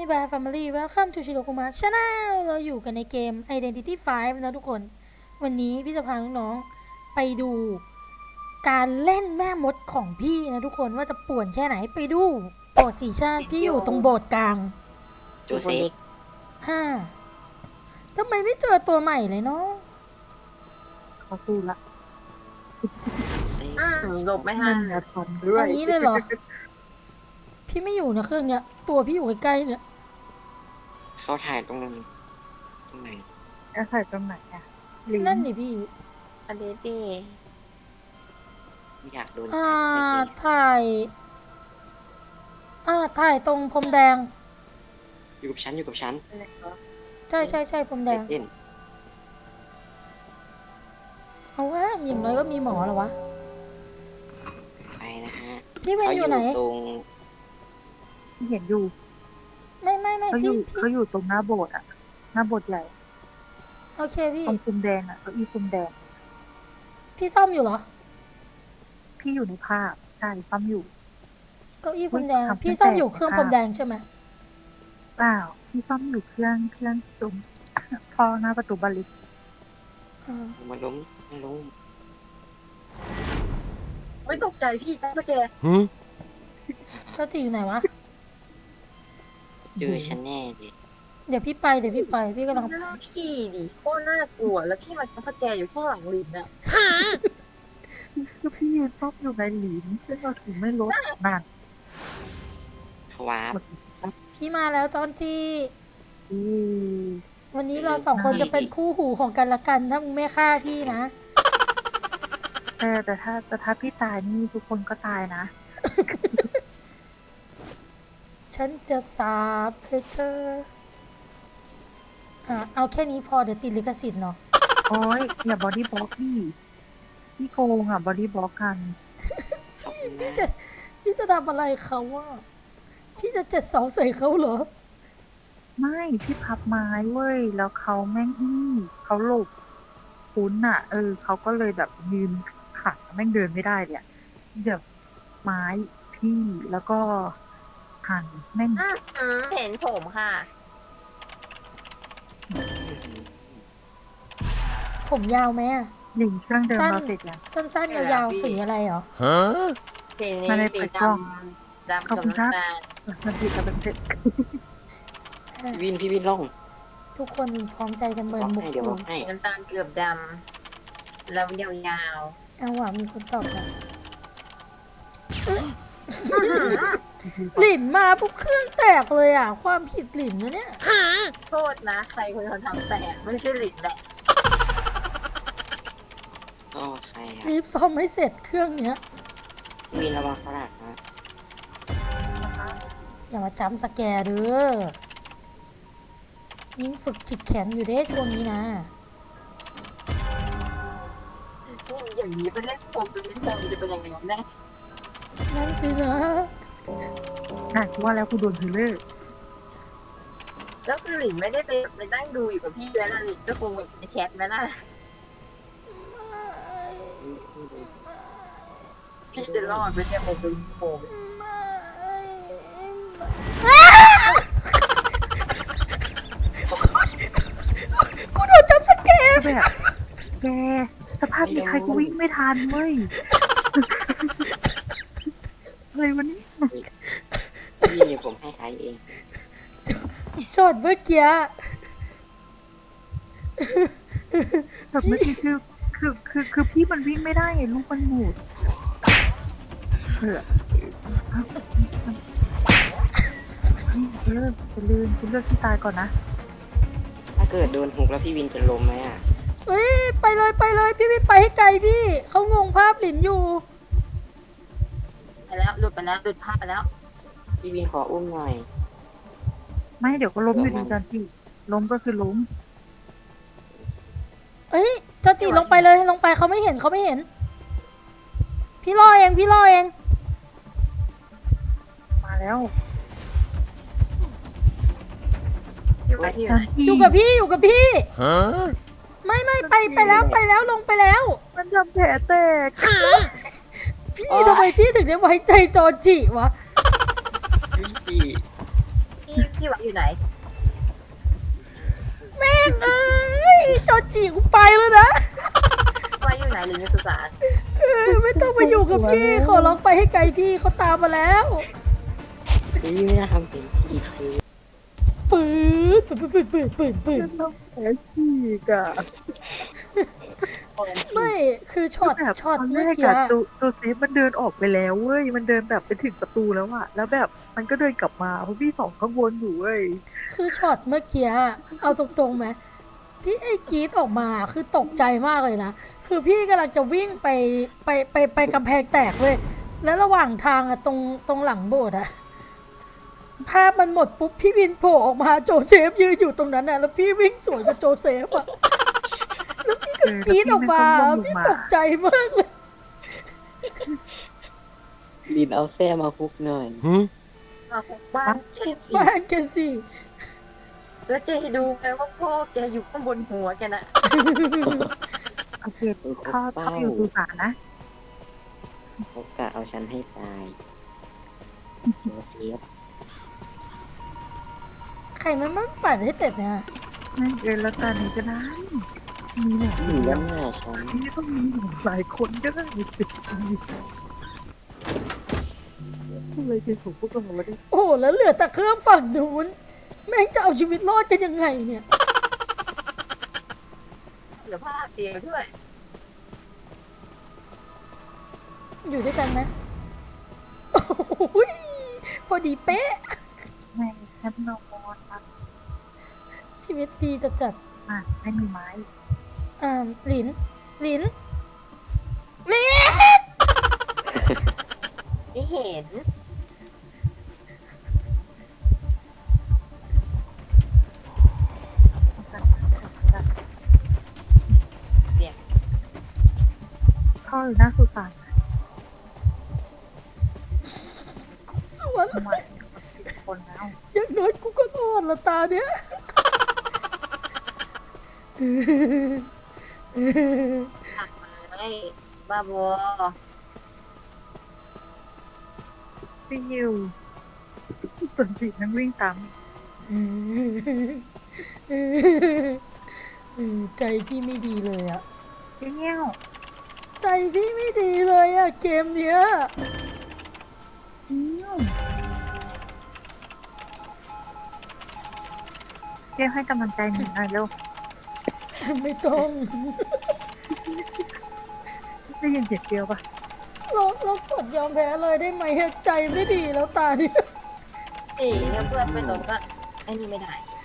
Bear Family Welcome to Shirokuma Channel เราอยู่กันในเกม Identity 5 นะทุกคน วันนี้พี่จะพาน้องๆไปดูการเล่นแม่มดของพี่นะทุกคนว่าจะป่วนแค่ไหนไปดูโบสถ์สีชาติพี่อยู่ตรงโบสถ์กลางจูเซฟทำไมไม่เจอตัวใหม่เลยเนาะเขาสู้ละหลบไม่ทันนะทำด้วยอันนี้เลยเหรอ พี่ไม่อยู่นะเครื่องเนี้ยตัวพี่อยู่ใกล้ๆเนี่ยเขาถ่ายตรงไหนจะใส่ตรงไหนอ่ะลิ้นนั่นดิพี่อันนี้ดีไม่อยากโดนถ่ายถ่ายตรงพรมแดงอยู่กับฉันอะไรเหรอใช่พรมแดงเต้นเอาว่าอย่างน้อยก็มีหมอเหรอวะไปนะฮะพี่เวนอยู่ไหนตรงเห็นอยู่ไม่เขาอพี่ยู่เขาอยู่ตรงหน้าโบสถ์อ่ะหน้าโบสถ์ใหญ่โอเคพี่ตรงปุ่มแดงอ่ะเก้าอี้ปุ่มแดงพี่ซ่อมอยู่เหรอพี่อยู่ในภาพใช่ซ้ำอยู่เก้าอี้พรมแดงทำพี่ซ่อมอยู่ตั้งแต่เครื่องพรมแดงใช่ไหมเปล่าพี่ซ้ำอยู่เครื่องตรงพอหน้าประตูบานเลิกอ่ามาล้มไม่ตกใจพี่จ้าแกเจ้าจีอยู่ไหนวะเจอฉันแน่ดิเดี๋ยวพี่ไปพี่กำลังไปหน้าพี่ดิโคตรน่ากลัวแล้วพี่มาจ้าแกอยู่ข้างหลังลินน่ะก็พี่ยืนซ้อมอยู่ในหลินซึ่งเราถึงไม่ลดนานเขาวาร์ปพี่มาแล้วจอนจีอือวันนี้เราสองคนจะเป็นคู่หูของกันละกันถ้ามึงไม่ฆ่าพี่นะแต่ถ้าพี่ตายนี่ทุกคนก็ตายนะฉันจะสาบให้เธอเอาแค่นี้พอเดี๋ยวติดลิขสิทธิ์เนาะโอ้ยอย่าบอดี้บล็อกพี่โกงอ่ะบอดี้บล็อกกันขอบคุณมากพี่จะทำอะไรเขาว่าพี่จะเจ็ดเสาใส่เขาเหรอไม่พี่พับไม้เว้ยแล้วเขาแม่งเขาหลบคุ้นอ่ะเขาก็เลยแบบยืนขาแม่งเดินไม่ได้เลยอะเดี๋ยวไม้พี่แล้วก็หันแม่งเห็นผมค่ะผมยาวไหมอะหลิงเครื่องเดิมสั้นเราเสร็จยังสั้นๆยาวๆสีอะไรเหรอสีนี้มาในสีเปิดดกล้องำดำขอบกับคุณครับน้ำตาลมันผิดกับเป็นเสร็จพี่วินล่องทุกคนพร้อมใจกันบเบิล็ร์อน กมุกให้อเดี๋ยวบยู่ล็อกให้น้ำตาลเกือบดำแล้วยาวเอาว่ะมีคนตอบนะหลินมาปุ๊บเครื่องแตกเลยอ่ะ ความผิดหลินนะเนี่ยๆโทษนะใครคนทำแต่ไม่ใช่ลินแหละก็ใครอ่ะรีบซ่อมให้เสร็จเครื่องเนี้ยพี่วินระวังฝรั่งนะอย่ามาจำสแกร์เด้อยิ่งฝึกขิดแข็งอยู่เด้ช่วงนี้นะอย่างนี้เป็นเล่นโฟมจะเป็นโฟมจะเป็นยังไงแน่นั่นสินะว่าแล้วกูโดนเทเลอร์แล้วคือลินไม่ได้ไปนั่งดูอยู่กับพี่แล้วนะลินก็คงแบบในแชทไหมล่ะพี่จะรอดไปเนี่ยผมเป็นโฟมกูโดนจำสแกร์ก็แบบแกสภาพมีใครก็วิ่งไม่ทันเว้ยอะไรวันนี้พี่เดี๋ยวผมให้ท้ายเองช็อตเมื่อกี้แบบเมื่อกี้คือพี่มันวิ่งไม่ได้ไงลูกมันหมุดจะลืมเลือกที่ตายก่อนนะถ้าเกิดโดนหุกแล้วพี่วินจะล้มไหมอ่ะเฮ้ยไปเลยพี่ไม่ไปให้ไกลพี่เขางงภาพหลินอยู่ไปแล้วหลุดภาพไปแล้วพี่วินขออุ้มหน่อยไม่เดี๋ยวก็ล้มอยู่ดีกันที่ล้มก็คือล้มเฮ้ยเจ้าจีลงไปเลยลงไปเขาไม่เห็นพี่รอเองมาแล้วอยู่กับที่ไหนอยู่กับพี่ไม่ไปแล้วลงไปแล้วมันทำแผลแตกพี่ทำไมพี่ถึงได้ไว้ใจจอจิวะพี่พี่ไหวอยู่อยู่ไหนแม่งเอ้ยจอจีกูไปแล้วนะไว้อยู่ไหนหรืออยู่สุสานไม่ต้องมาอยู่กับพี่ขอร้องไปให้ไกลพี่เขาตามมาแล้วพี่ไม่น่าทำเป็นชีพเลยปืดปืดน้ำแข็งฉีกอะไม่คือช็อตแบบช็อตตอนแรเมื่อก กี้อะตัวเซฟมันเดินออกไปแล้วเว้ยมันเดินแบบไปถึงประตูแล้วอะแล้วแบบมันก็เดินกลับมาเพราะพี่สองข้างบนอยู่เว้ยคือช็อตเมื่อกี้เอาตรงๆไหมที่ไอ้กรีดออกมาคือตกใจมากเลยนะคือพี่กำลังจะวิ่งไปกำแพงแตกเว้ยแล้วระหว่างทางอะตรงหลังโบสถ์อะภาพมันหมดปุ๊บพี่วินโผล่ออกมาโจเซฟยืนอยู่ตรงนั้นน่ะแล้วพี่วิ่งสวนกับโจเซฟอะแล้วพี่ก็กรีดออกมาพี่ตกใจมากเลยลินเอาแส้มาคุกหน่อยมาคุกบ้านเจสิบ้านแกสิแล้วเจดูไงว่าพ่อแกอยู่ข้างบนหัวแกน่ะโอเคถ้าอยู่สุสานนะเขากะเอาฉันให้ตายโจเซฟใครมันปั่นให้เสร็จเนี่ยนั่นเองแล้วตอนนี้ก็ได้มีแหละอยู่ด้านหน้าฉันนี่ต้องมีหลายคนก็ได้เลยเป็นของพวกเราได้โอ้โหแล้วเหลือแต่เครื่องฝั่งนู้นแม่งจะเอาชีวิตรอดกันยังไงเนี่ยเหลือภาพเดียวด้วยอยู่ด้วยกันไหมโอ้ยพอดีเป๊ะแม่แคปนอนมาชีวิตดีจะจัดไม่มีไม้หลินไม่เห็นเข้าอยู่หน้าสุสานสวนทำไมคนแล้วอย่างน้อยกูก็รอดละตาเนี้ยหักไม้บ้าบอพี่ยิวส่วนสีนั้นวิ่งตามใจพี่ไม่ดีเลยอะพี่เงี้ยวใจพี่ไม่ดีเลยอะเกมเนี้ยเรียกให้กำลังใจหนูหน่อยเร็วไม่ต้องได้ยินเสียงเดียวปะเรากดยอมแพ้เลยได้ไหมอะใจไม่ดีแล้วตาเนี้ยถ้าเพื่อนไปลงก็ไอ้นี่ไม่ได้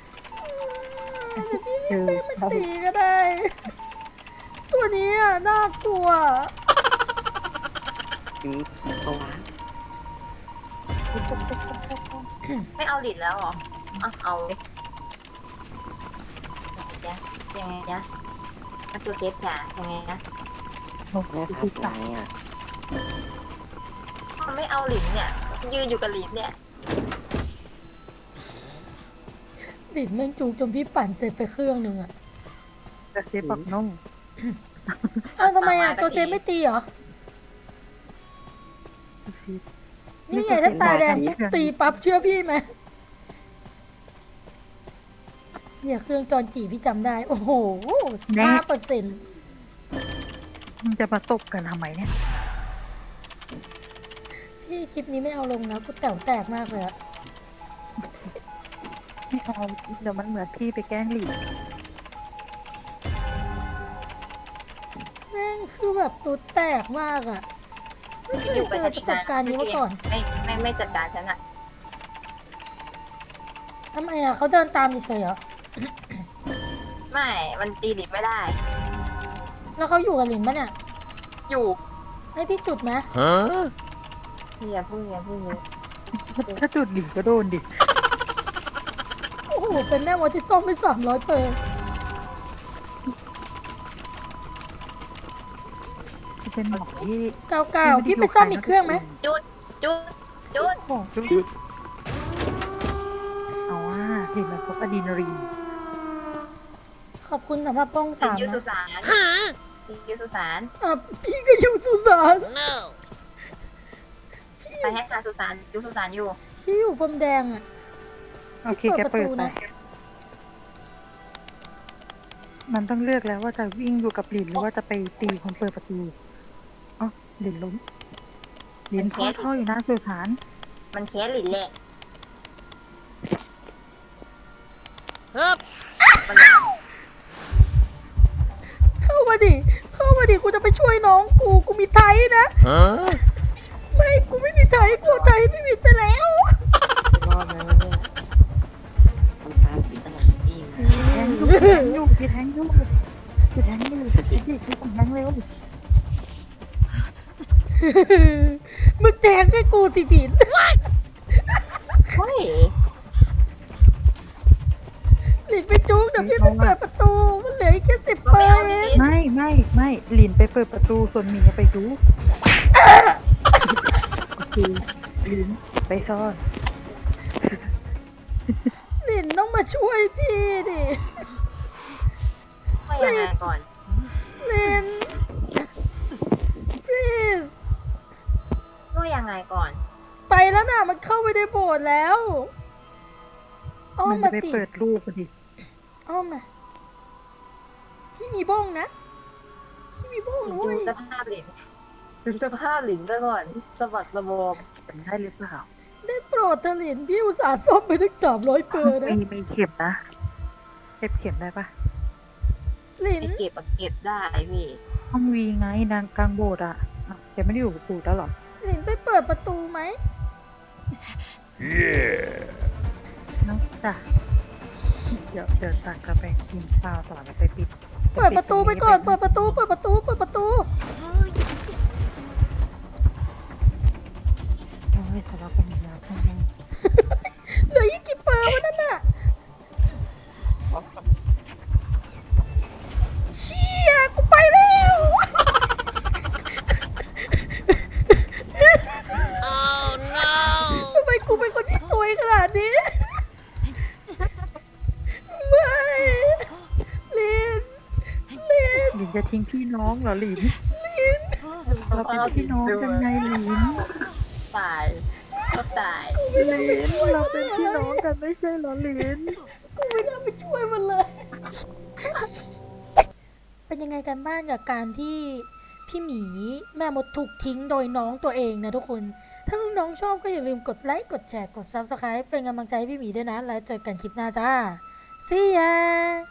เจอไม่ตีก็ได้ ตัวนี้อ่ะน่ากลัวถึงเอาวะไม่เอาหลิดแล้วเหรอเอาเลยยังไงจ๊ะอันตัวเกสจ๋ายังไงนะแม่ครับไหนอ่ะมันไม่เอาหลินเนี่ย ยืนอยู่กับหลินเนี่ยดิดแม่งจูงจนพี่ปั่นเสร็จไปเครื่องหนึ่งอ่ะกระเซฟปักน้องอ้าวทำไมอ่ะโจเซฟไม่ตีเหรอ นี่ไงถ้าตาแดงปุ๊บตีปั๊บเชื่อพี่ไหมเนี่ยเครื่องจอนจีพี่จำได้ โอ้โห5% มันจะมาตบกันทำไมเนี่ยพี่คลิปนี้ไม่เอาลงนะกูแต๋วแตกมากเลยอะไม่เอาเดี๋ยวมันเหมือนพี่ไปแกล้งหลีแม่งคือแบบตัวแตกมากอะไม่เคยเจอประสบการณ์นี้มาก่อนไม่จัดการฉันอะทำไมอะเขาเดินตามเฉยๆเหรอไม่ มันตีหลินไม่ได้แล้วเขาอยู่กับหลินปะเนี่ยอยู่ให้พี่จุดไหมอย่าพูดเยอะถ้าจุดหลีก็โดนดิโอ้โห เป็นแม่มดที่ซ่อมไป300 เปอร์เป็นหมอที่เก่าๆพี่ไปซ่อมอีกเครื่องไหมจุดของจุดเอาว่าเห็นมันพบอะดรีนาลีนขอบคุณสำหรับป้องหลิน 3 อยู่สุนะสานหลินอยู่สุสานพี่ก็อยู่สุสานไปให้ชาสุสานอยู่สุสานอยู่พี่อยู่พรมแดงอะโอเคแกเปิดไปมันต้องเลือกแล้วว่าจะวิ่งอยู่กับหลินหรือว่าจะไปตีคนเปิดประตูอ๋อหลินล้มหลินท่ออยู่หน้าสุสานมันแค่หลินแหละมันเข้ามาดิ เข้ามาดิ กูจะไปช่วยน้องกู กูมีไทยนะ ไม่ กูไม่มีไทย กูเอาไทยพี่บิดไปแล้วรอดแล้วเนี่ยมันตามปิดตลาดพี่มาแทงอยู่พี่แทงอยู่พี่แทงอยู่พี่ส่งแทงเร็วมึงแจกให้กูสิดินเฮ้ยหลินไปจุกเดี๋ยวพี่ไปเปิดประตู มันเหลืออีกแค่10 เปอร์เองไม่หลินไปเปิดประตูส่วนหมีไปดูโอเคหลินไปซ่อนหลินต้องมาช่วยพี่ดิว่ายังไงก่อนหลิน please ว่ายังไงก่อนไปแล้วน่ะ มันเข้าไปในโบสถ์แล้วอ้อมัมนจะมาไปสิเปิดรูปดิอ้อมมา พี่มีบ้องนะ พี่มีบ้องนะดูเว้ยสภาพหลินดูสภาพหลินซะก่อนสะบัดสะบอมเป็นได้หรือเปล่าได้โปรดเถอะหลินพี่อุตส่าห์ซ่อมไปถึง300 เปอร์นะมีเข็มนะเข็มได้ปะหลินไอเก็บอะเก็บได้พี่ห้องวีไงนางกลางโบสถ์อ่ะแกไม่ได้อยู่กับปู่แล้วหรอหลินไปเปิดประตูไหมน้องจ้ะเดี๋ยวตักจะไปกินข้าวต่อแล้วไปปิดเปิดประตูไปก่อน เปิดประตู เปิดประตู เปิดประตูโอ้ยทะเลาะกันอีกแล้วข้างในเหลืออีกกี่เปอร์วะนั่นน่ะ เชี่ยกูไปแล้วทำไมกูเป็นคนที่ซวยขนาดนี้ ไม่ลินลินหลินจะทิ้งพี่น้องเหรอหลินเราเป็นพี่น้องกันไงหลินตายก็ตายหลินเราเป็นพี่น้องกันไม่ใช่เหรอหลินกูไม่น่าไปช่วยมันเลย เป็นยังไงกันบ้างกับการที่พี่หมีแม่มดถูกทิ้งโดยน้องตัวเองนะทุกคน ถ้าน้องๆชอบก็อย่าลืมกดไลค์ กดแชร์ กด Subscribe เป็นกำลังใจให้พี่หมีด้วยนะ แล้วเจอกันคลิปหน้าจ้า See ya